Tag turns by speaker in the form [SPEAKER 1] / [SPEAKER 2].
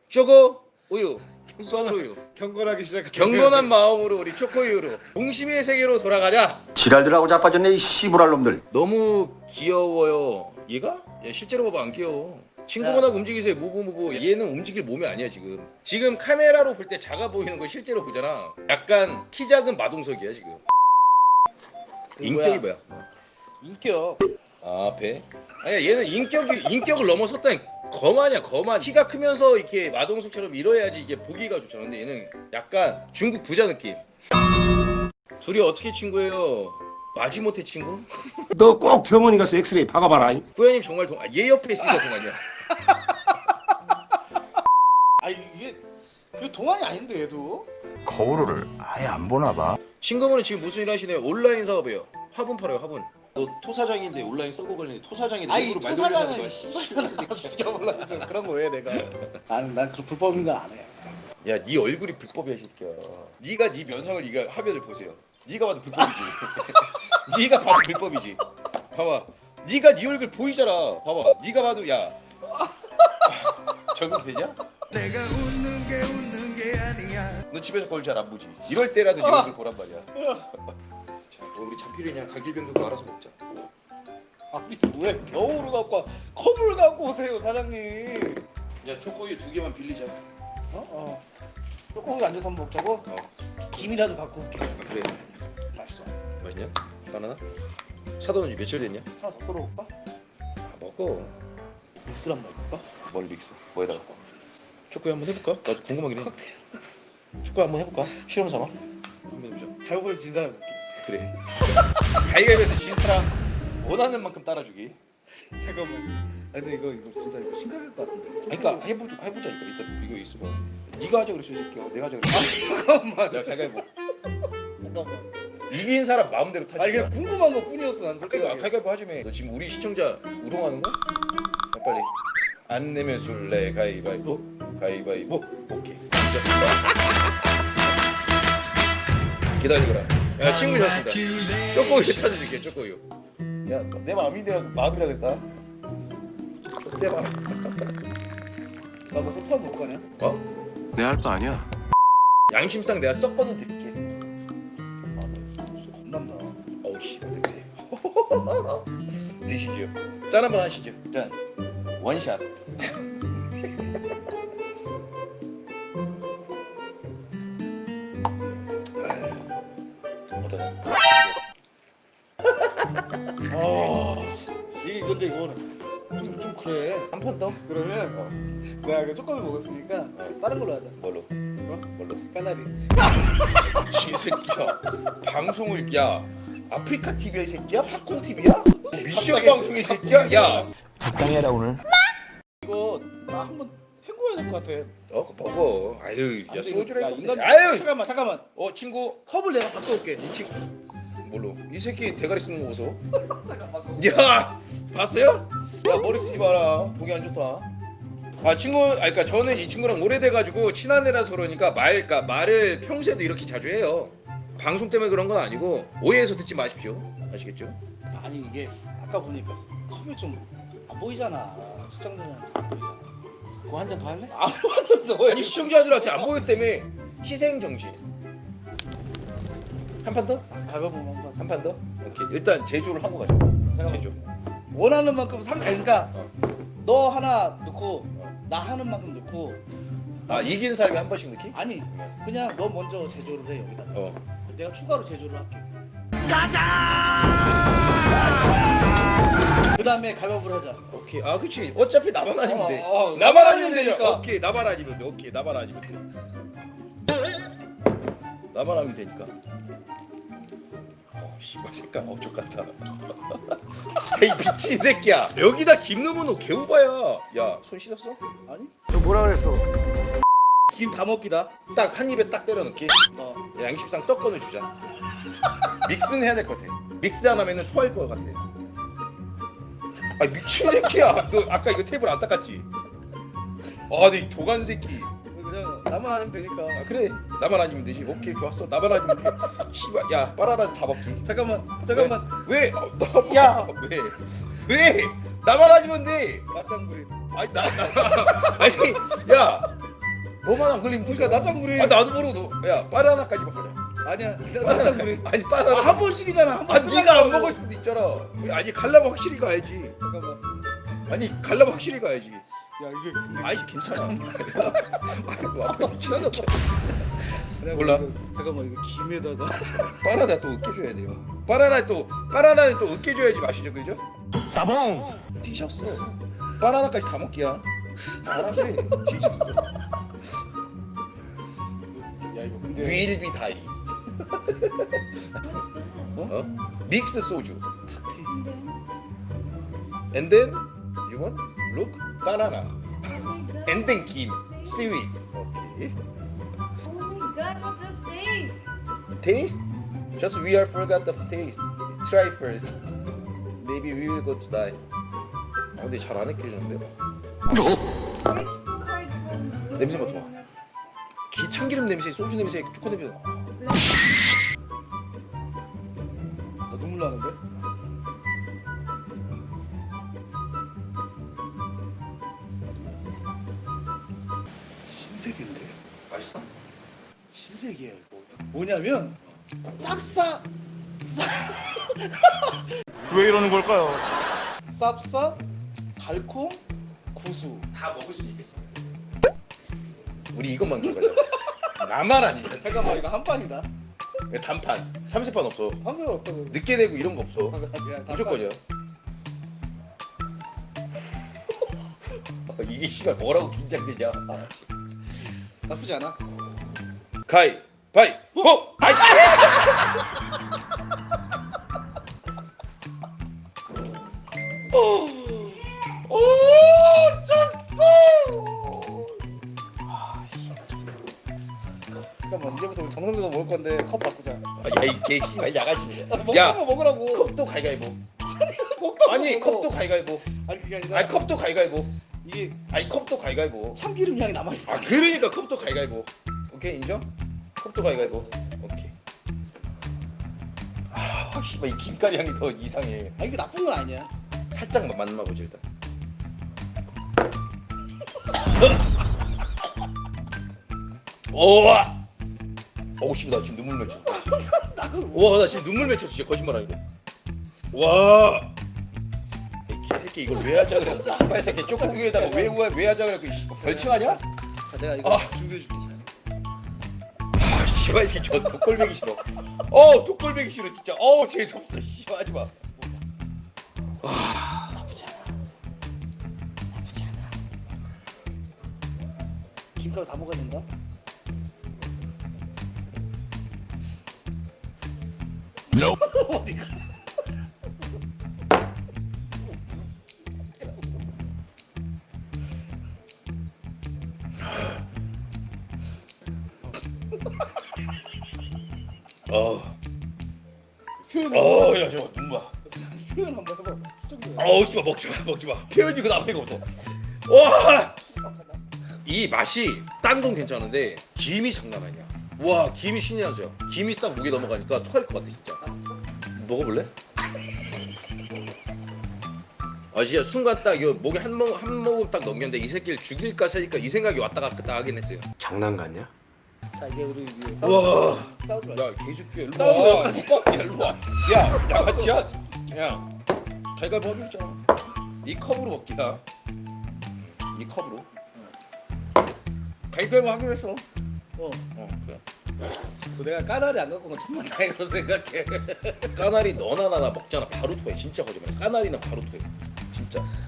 [SPEAKER 1] 초코 우유, 썬우유.
[SPEAKER 2] 경건하기 시작.
[SPEAKER 1] 경건한 마음으로 우리 초코우유로 동심의 세계로 돌아가자.
[SPEAKER 3] 지랄들하고 자빠졌네 이 씨부랄 놈들.
[SPEAKER 1] 너무 귀여워요. 얘가? 야, 실제로 봐봐 안 귀여워. 친구분하고 움직이세요. 무브무브. 얘는 움직일 몸이 아니야 지금. 지금 카메라로 볼 때 작아 보이는 거 실제로 보잖아. 약간 키 작은 마동석이야 지금. 인격이 뭐야?
[SPEAKER 2] 인격.
[SPEAKER 1] 아 배? 아니야 얘는 인격을 넘어섰다니. 거만이야 거만. 키가 크면서 이렇게 마동석처럼 이뤄야지 이게 보기가 좋잖아. 근데 얘는 약간 중국 부자 느낌. 둘이 어떻게 친구예요? 마지못해 친구?
[SPEAKER 4] 너 꼭 병원에 가서 엑스레이 박아봐라.
[SPEAKER 1] 구현님 정말 얘 옆에 있으니까 동안이야.
[SPEAKER 2] 아 이게 그 동안이 아닌데 얘도.
[SPEAKER 3] 거울을 아예 안 보나 봐.
[SPEAKER 1] 친구분은 지금 무슨 일 하시네요? 온라인 사업이에요. 화분 팔아요 화분. 너 토사장인데 온라인 서버 관련 토사장인데
[SPEAKER 2] 아이
[SPEAKER 1] 일부러 말 돌리는 거야.
[SPEAKER 2] 토사장은 씨발로 죽여볼라 해서 그런 거 왜 내가. 난 그 불법인 거 안 해.
[SPEAKER 1] 야, 네 얼굴이 불법이야, 이 새끼야. 네가 네 면상을 네가 화면을 보세요. 네가 봐도 불법이지. 네가 봐도 불법이지. 봐봐. 네가 네 얼굴 보이잖아. 봐봐. 네가 봐도 야. 적응되냐?
[SPEAKER 5] 내가 웃는 게 아니야.
[SPEAKER 1] 너 집에서 그걸 잘 안 보지. 이럴 때라도 네 얼굴 보란 말이야. 자, 우리 참필이냐 가길병도 알아서 먹자.
[SPEAKER 2] 아니 왜 겨울을 갖고 와? 컵을 갖고 오세요 사장님.
[SPEAKER 1] 야, 초코우유 2개만 빌리자.
[SPEAKER 2] 어. 조금 앉아서 한번 먹자고. 김이라도 갖고 올게.
[SPEAKER 1] 그래.
[SPEAKER 2] 맛있어.
[SPEAKER 1] 맛있냐? 바나나? 사도는 며칠 됐냐?
[SPEAKER 2] 하나 더 썰어볼까?
[SPEAKER 1] 아, 먹어.
[SPEAKER 2] 믹스를 한번 해볼까?
[SPEAKER 1] 뭘 믹스? 뭐에다가? 초코우유 한번 해볼까? 나도 궁금하긴 해. 초코우유 한번 해볼까? 실험 삼아? 한번 해보자.
[SPEAKER 2] 잘못해서 진 사람.
[SPEAKER 1] 그래. 가위가위에서 진 사람 원하는 만큼 따라주기.
[SPEAKER 2] 잠깐만. 근데 이거 진짜 이거 심각할 것 같은데.
[SPEAKER 1] 아니, 그러니까 해보자 이거. 일단 이거 있어 봐. 네가 하자 그랬어 이 새끼야. 내가 하자 그랬어.
[SPEAKER 2] 잠깐만.
[SPEAKER 1] 내가 가위바위보.
[SPEAKER 2] 잠깐만.
[SPEAKER 1] 이긴 사람 마음대로 타지.
[SPEAKER 2] 아니 그냥 궁금한 거 뿐이었어 난.
[SPEAKER 1] 가위바위보 하지매. 너 지금 우리 시청자 우롱하는 거? 야, 빨리. 안 내면 술래 가위바위보. 가위바위보. 오케이. 기다리거라. 야 친구 셨습니다. 초코우유 타줘줄게 초코우유. 야 내 마음이라 그랬다. 내 마음.
[SPEAKER 2] 나도 소파 먹고 가냐?
[SPEAKER 1] 어?
[SPEAKER 4] 내 할 거 아니야.
[SPEAKER 1] 양심상 내가 섞어는 드릴게.
[SPEAKER 2] 겁난다.
[SPEAKER 1] 어우 씨, 어떡해. 드시죠. 짠 한번 하시죠. 짠. 원샷. 어떠냐?
[SPEAKER 2] 이게 근데 이거는 좀 그래.
[SPEAKER 1] 한 판 더?
[SPEAKER 2] 그러면 내가 이거 조금 먹었으니까 다른 걸로 하자.
[SPEAKER 1] 뭘로? 뭘로?
[SPEAKER 2] 까나리.
[SPEAKER 1] 이 새끼야. 방송을 야 아프리카 TV야 이 새끼야? 팝콘 TV야? 미션 방송이 이 새끼야? 야.
[SPEAKER 4] 적당해라 오늘.
[SPEAKER 2] 이거 나 한번 헹궈야 될 것 같아.
[SPEAKER 1] 어, 먹어. 아유, 야
[SPEAKER 2] 안 돼,
[SPEAKER 1] 소주를
[SPEAKER 2] 야,
[SPEAKER 1] 해먹는데.
[SPEAKER 2] 인간.
[SPEAKER 1] 아유.
[SPEAKER 2] 잠깐만.
[SPEAKER 1] 친구.
[SPEAKER 2] 컵을 내가 바꿔올게.
[SPEAKER 1] 이 친구. 뭘로? 이 새끼 대가리 쓰는 거 보소.
[SPEAKER 2] 잠깐만.
[SPEAKER 1] 야, 봤어요? 야 머리 쓰지 마라. 보기 안 좋다. 아 친구, 그러니까 저는 이 친구랑 오래돼가지고 친한 애라서 그러니까 그러니까 말을 평소에도 이렇게 자주 해요. 방송 때문에 그런 건 아니고 오해해서 듣지 마십시오. 아시겠죠?
[SPEAKER 2] 아니 이게 아까 보니까 컵이 좀 안 보이잖아. 시청자들한테 안 보이잖아. 그거 한 잔 더 할래?
[SPEAKER 1] 아니 시청자들한테 안 보였다며. 희생 정신. 한 판 더?
[SPEAKER 2] 가벼운 한번.
[SPEAKER 1] 한 판 더? 오케이. 일단 제조를 하고 가자. 제조.
[SPEAKER 2] 원하는 만큼 그러니까 너 하나 넣고 나 하는 만큼 넣고.
[SPEAKER 1] 아 이긴 사람이 한 번씩 넣기?
[SPEAKER 2] 아니 그냥 너 먼저 제조를 해 여기다. 내가 추가로 제조를 할게. 그 다음에 가볍을 하자.
[SPEAKER 1] 오케이. 아 그치. 어차피 나만 아니면 돼.
[SPEAKER 2] 나만
[SPEAKER 1] 나만
[SPEAKER 2] 아니면
[SPEAKER 1] 아니면 되니까.
[SPEAKER 2] 되니까.
[SPEAKER 1] 오케이. 나만 아니면 돼. 오케이. 나만 아니면 돼. 나만 하면 되니까. 씨발 색깔 어쪽 같다. 에이 미친 새끼야. 여기다 김 넣으면 너 개오바야. 야 손 씻었어?
[SPEAKER 2] 아니?
[SPEAKER 3] 너 뭐라 그랬어?
[SPEAKER 2] 김 다 먹기다.
[SPEAKER 1] 딱 한 입에 딱 때려 넣기. 양심상 섞어는 주자. 믹스는 해야 될 것 같아. 믹스 안 하면은 토할 것 같아. 아 미친 새끼야. 너 아까 이거 테이블 안 닦았지? 아, 너 도간 새끼.
[SPEAKER 2] 그냥 나만 하면 되니까.
[SPEAKER 1] 아 그래. 나만 아니면 되지. 오케이 좋았어. 나만 아니면 돼. 씨발 야 빠라라 잡았기.
[SPEAKER 2] 잠깐만.
[SPEAKER 1] 왜? 나 야. 왜? 왜? 나만 아니면 돼.
[SPEAKER 2] 맞장구리.
[SPEAKER 1] 아니 나 아니 야 너만 안 걸리면
[SPEAKER 2] 그러니까 낮장구리.
[SPEAKER 1] 아 나도 모르고 야 바나나까지만 가자.
[SPEAKER 2] 아니야. 낮장구리.
[SPEAKER 1] 아니 바나나
[SPEAKER 2] 한 번씩이잖아. 한 번.
[SPEAKER 1] 아 네가 안 먹을 수도 있잖아. 아니 갈라면 확실히 가야지.
[SPEAKER 2] 잠깐만.
[SPEAKER 1] 아니 갈라면 확실히 가야지.
[SPEAKER 2] 야 이게 근데
[SPEAKER 1] 아이 괜찮아. 아이고 아빠 미친놈.
[SPEAKER 2] 내가
[SPEAKER 1] 몰라.
[SPEAKER 2] 이거- 잠깐만 이거 김에다가
[SPEAKER 1] 바나나 또 으깨줘야 돼요. 바나나는 또 으깨줘야지 맛이죠, 그죠?
[SPEAKER 3] 따봉.
[SPEAKER 1] 뒤졌어. 바나나까지 다 먹기야. 알아서 해. 뒤졌어.
[SPEAKER 2] 야 이거 근데
[SPEAKER 1] 윌비 다이. 어? 믹스 소주. And then you want look banana. And then 김 seaweed. Okay.
[SPEAKER 6] Oh my god, what's the taste?
[SPEAKER 1] Taste? Just we are forgot the taste. Try first. Maybe we will go to die. 아 근데 잘 안 으깨지는데?
[SPEAKER 6] It's too hard for me.
[SPEAKER 1] 냄새 맡아봐. 참기름 냄새, 소주 냄새, 초코 냄새.
[SPEAKER 2] 나 눈물 나는데? 신세계인데?
[SPEAKER 1] 맛있어?
[SPEAKER 2] 신세계야 이거. 뭐냐면 쌉싸
[SPEAKER 3] 왜 이러는 걸까요?
[SPEAKER 2] 쌉싸 달콤 구수.
[SPEAKER 1] 다 먹을 수 있겠어. 우리 이것만 기다려. 나만 아니야.
[SPEAKER 2] 잠깐만 이거 한 판이다.
[SPEAKER 1] 단판, 30판 없어.
[SPEAKER 2] 한 판 없다고.
[SPEAKER 1] 늦게 되고 이런 거 없어.
[SPEAKER 2] 그냥
[SPEAKER 1] 무조건이야. 이게 씨발 뭐라고 긴장되냐?
[SPEAKER 2] 나쁘지 않아.
[SPEAKER 1] 가이, 바이, 호! 아이씨! 오,
[SPEAKER 2] 잠깐만 이제부터 우리 정성대로 먹을 건데 컵 바꾸자.
[SPEAKER 1] 야이 개씨발 야가지.
[SPEAKER 2] 먹는
[SPEAKER 1] 야,
[SPEAKER 2] 거 먹으라고.
[SPEAKER 1] 컵도 가위가위보.
[SPEAKER 2] 컵도
[SPEAKER 1] 아니
[SPEAKER 2] 먹어.
[SPEAKER 1] 컵도 가위가위보.
[SPEAKER 2] 아니 그게 아니라
[SPEAKER 1] 아니 컵도 가위가위보.
[SPEAKER 2] 이게
[SPEAKER 1] 아니 컵도 가위가위보.
[SPEAKER 2] 참기름 향이 남아 있어.
[SPEAKER 1] 아 그러니까 컵도 가위가위보. 오케이 인정? 컵도 가위가위보. 오케이. 아 씨발 이 김가리 향이 더 이상해.
[SPEAKER 2] 아 이게 나쁜 건 아니야.
[SPEAKER 1] 살짝만 만나보자 일단. 오와. 어우 씨발 나 지금 눈물 맺혔어. 와 나 지금 눈물 맺혔어 진짜 거짓말 아니고. 와. 이 개새끼 이걸 왜 하자 그래? 씨발 새끼 쪼꼬기에다가 왜 하자 그래? 그 별칭하냐?
[SPEAKER 2] 자, 내가 이거 준비해줄게.
[SPEAKER 1] 아 씨발 이 새끼 저 독골배기 싫어. 독골배기 싫어 진짜. 재수 없어. 씨발 하지 마.
[SPEAKER 2] 나쁘지 않아. 나쁘지 않아. 김가루 다 먹어야 된다. 어디가? 표현
[SPEAKER 1] 야 잠깐 눈 봐.
[SPEAKER 2] 표현 한번 해봐. 시청자.
[SPEAKER 1] 씨발 먹지 마. 표현이고 남의가 없어. 와. 이 맛이 딴 건 괜찮은데 김이 장난 아니야. 와 김이 신이 한 수야. 김이 싹 목에 넘어가니까 토할 것 같아 진짜. 먹어볼래? 아 진짜 순간 딱 이거 목에 한 모금 딱 넘겼는데 이 새끼를 죽일까 살릴까 이 생각이 왔다 갔다 하긴 했어요.
[SPEAKER 4] 장난 같냐?
[SPEAKER 2] 자 이제 우리 이제
[SPEAKER 1] 우와.
[SPEAKER 2] 싸우지 마.
[SPEAKER 1] 야 개새끼야 일로
[SPEAKER 2] 싸우는
[SPEAKER 1] 와. 야 일로 와. 야 양아치야? 야 갈갈보 하기로 했잖아. 이 컵으로 먹기야. 이 컵으로. 갈갈보 하기로 했어. 그래.
[SPEAKER 2] 그 내가 까나리 안 갖고 온 건 천만 다행이라고 생각해.
[SPEAKER 1] 까나리 너나 나나 먹잖아 바로 토해 진짜 거짓말. 까나리는 바로 토해 진짜.